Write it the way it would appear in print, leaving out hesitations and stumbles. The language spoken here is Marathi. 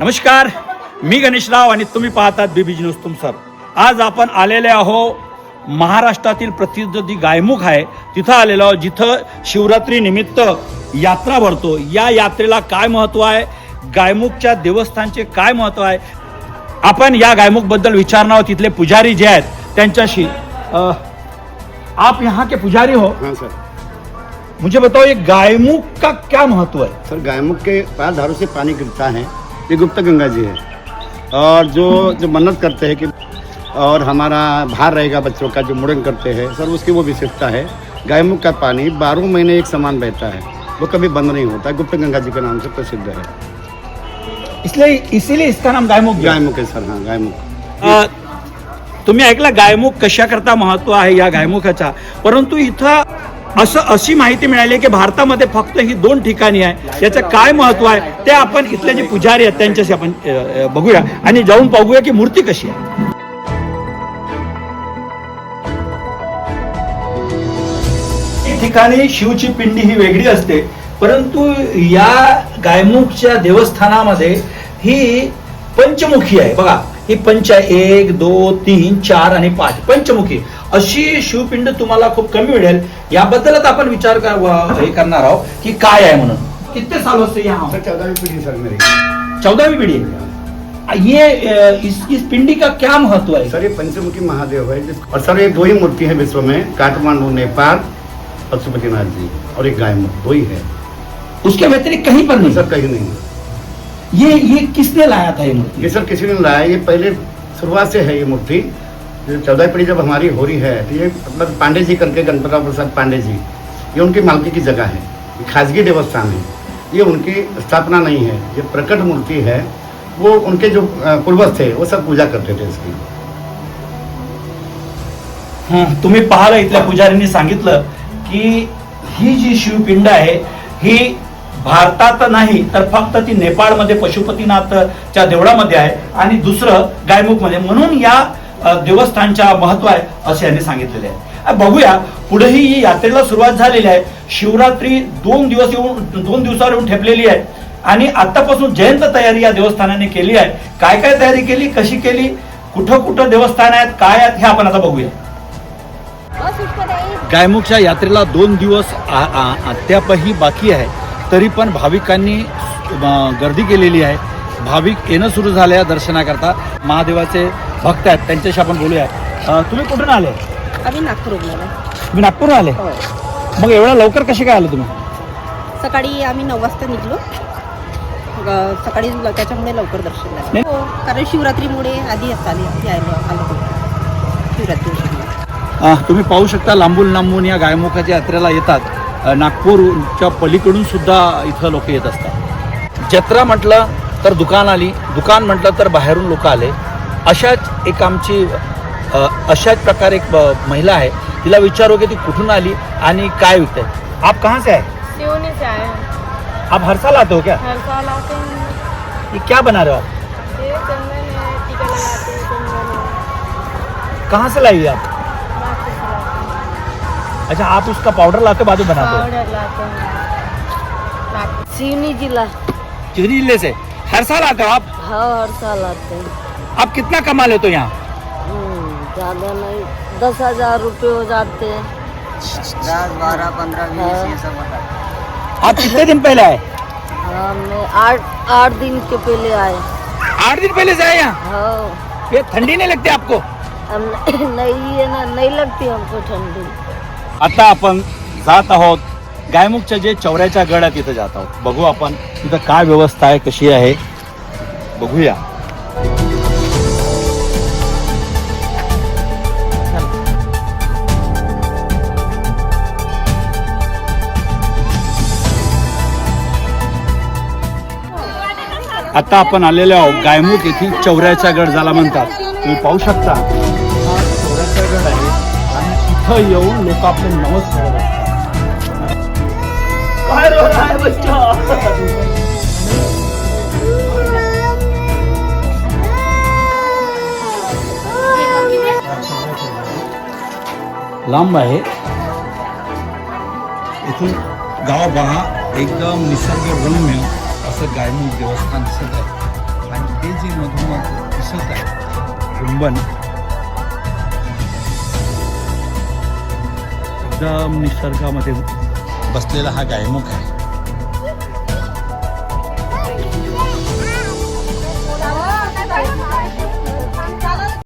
नमस्कार, मी गणेशराव आणि तुम्ही पाहतात बीबीजी न्यूज तुमसर. आज आपण आलेले आहो महाराष्ट्रातील प्रसिद्ध जी गायमुख आहे तिथं आलेलो आहो, जिथं शिवरात्री निमित्त यात्रा भरतो. या यात्रेला काय महत्व आहे, गायमुखच्या देवस्थानचे काय महत्व आहे, आपण या गायमुख बद्दल विचारणार आहोत. तिथले पुजारी जे आहेत त्यांच्याशी. आप यहाँ के पुजारी हो? हाँ सर. मुझे बताओ ये गायमुख का क्या महत्व है? सर गायमुख के 5 धारों से पानी गिरता है. ये गुप्त गंगा जी है. और जो मन्नत करते हैं कि और हमारा भार रहेगा बच्चों का, जो मुड़न करते हैं सर, उसकी वो विशेषता है. गायमुख का पानी 12 महीने एक समान बहता है, वो कभी बंद नहीं होता. गुप्त गंगा जी के नाम से प्रसिद्ध है, इसीलिए इसका नाम गायमुख. गायमुख है सर. हाँ गायमुख. तुम्ही ऐकला गायमुख कशाकरता महत्व आहे या गायमुखाचा. परंतु इथं अशी माहिती मिळाली की भारतामध्ये फक्त ही 2 ठिकाणी आहे. याचं काय महत्व आहे ते आपण इथले जे पुजारी आहेत त्यांच्याशी आपण बघूया आणि जाऊन पाहूया की मूर्ती कशी आहे. ठिकाणी शिवची पिंडी ही वेगळी असते, परंतु या गायमुखच्या देवस्थानामध्ये ही पंचमुखी आहे. बघा, ही पंच 1 2 3 4 आणि 5 पंचमुखी अशी शिवपिंड तुम्हाला खूप कमी मिळेल. याबद्दलच आपण विचार करणार आहोत की काय आहे म्हणून. कितने सालों से यहाँ? सर 14वीं पीढ़ी सर मेरी. 14वीं पीढ़ी. ये इस पिंडी का क्या महत्व है? सर ये पंचमुखी महादेव है. और सर ये 2 ही मूर्ति है विश्व में, काठमांडू नेपाल पशुपतिनाथ जी, और एक गायमुख 2 ही है. उसके व्यतिरिक्त कहीं पर नहीं? सर कहीं नहीं. ये किसने लाया था ये मूर्ति? ये सर किसी ने लाया. ये पहले शुरुआत से है ये मूर्ति. 14वीं पीढ़ी जब हमारी हो रही है तो ये मतलब पांडे जी करके, गणपतराव प्रसाद पांडे जी, ये उनकी मालकी की जगह है. ये खासगी देवस्थान है. ये उनकी स्थापना नहीं है. ये प्रकट मूर्ति है. वो उनके जो पूर्वज थे वो सब पूजा करते थे इसकी. तुम्ही पाहिलं, इथल्या पुजाऱ्यांनी सांगितलं की ही जी शिवपिंड आहे ही भारतात नाही तर फक्त ती नेपाळमध्ये पशुपतीनाथच्या देवळामध्ये आहे आणि दुसरं गायमुखमध्ये, म्हणून या देवस्थानच्या महत्व आहे असे यांनी सांगितलेले आहे. बघूया पुढेही ही यात्रेला सुरुवात झालेली आहे. शिवरात्री 2 दिवसावर येऊन ठेपलेली आहे आणि आतापासून जयंत तयारी या देवस्थानाने केली आहे. काय काय तयारी केली, कशी केली, कुठं कुठं देवस्थान आहेत, काय आहेत, हे आपण आता बघूया. गायमुखच्या यात्रेला 2 दिवस अद्यापही बाकी आहे, तरी पण भाविकांनी गर्दी केलेली आहे. भाविक येणं सुरू झाले दर्शनाकरता. महादेवाचे भक्त आहेत, त्यांच्याशी आपण बोलूया. तुम्ही कुठून आले? आम्ही नागपूरहून आलो. तुम्ही नागपूरहून आले? हो. मग एवढ्या लवकर कसे काय आले तुम्ही? सकाळी आम्ही 9 वाजता निघलो. सकाळी त्याच्यामुळे लवकर दर्शन झालं. हो, कारण शिवरात्रीमुळे आधी आलो होतो शिवरात्री. तुम्ही पाहू शकता लांबून या गायमुखाच्या यात्रेला येतात. नागपूरच्या पलीकडून सुद्धा इथं लोक येत असतात. जत्रा म्हटलं तर दुकान आली, दुकान म्हटलं तर बाहेरून लोक आले. अशाच प्रकारे एक महिला आहे, तिला विचारू की ती कुठून आली आणि काय विकते. आप कहाँ से आए? सिवनी से आए हैं. आप हर साल आते हो क्या? हर साल आते हैं. ये क्या बना रहे हो आप? ये चंदन है, टीका लगाते हैं, चंदन है. कहाँ से लाई आप? बाकी से लाते हैं. अच्छा, आप उसका पाउडर लाते बाद में बनाते हो? पाउडर लाते हैं. सिवनी जिला. चिकनी जिले से हर साल आते हो आप? हाँ, हर साल आते हैं. आप कितना कमा लेते हो यहाँ? ज़्यादा नहीं, 10,000 रुपये हो जाते हैं. 10, 12, 15, 20 ये सब होता है. आप कितने दिन पहले आए? हमने 8 दिन के पहले आए. 8 दिन पहले से आए यहाँ? हाँ. ये ठंडी नहीं लगती आपको? हम नहीं है ना, नहीं लगती हमको ठंडी. आता आपण जात आहोत गायमुखच्या जे चौऱ्याच्या गड आहे तिथं जात आहोत. बघू आपण तिथं काय व्यवस्था आहे, कशी आहे, बघूया. आता आपण आलेलो आहोत गायमुख येथील चौऱ्याचा गड ज्याला म्हणतात. तुम्ही पाहू शकता हा चौऱ्याचा गड आहे आणि इथं येऊन लोक आपले नवस करत असतात. काय रो रहा है बच्चा? लांब आहे इथून गाव बघा, एकदम निसर्गरम्य असं गायमुख देवस्थान दिसत आहे. जी मधोमध दिसत आहे गुंबन एकदम निसर्गामध्ये बसलेला हा गायमुख आहे.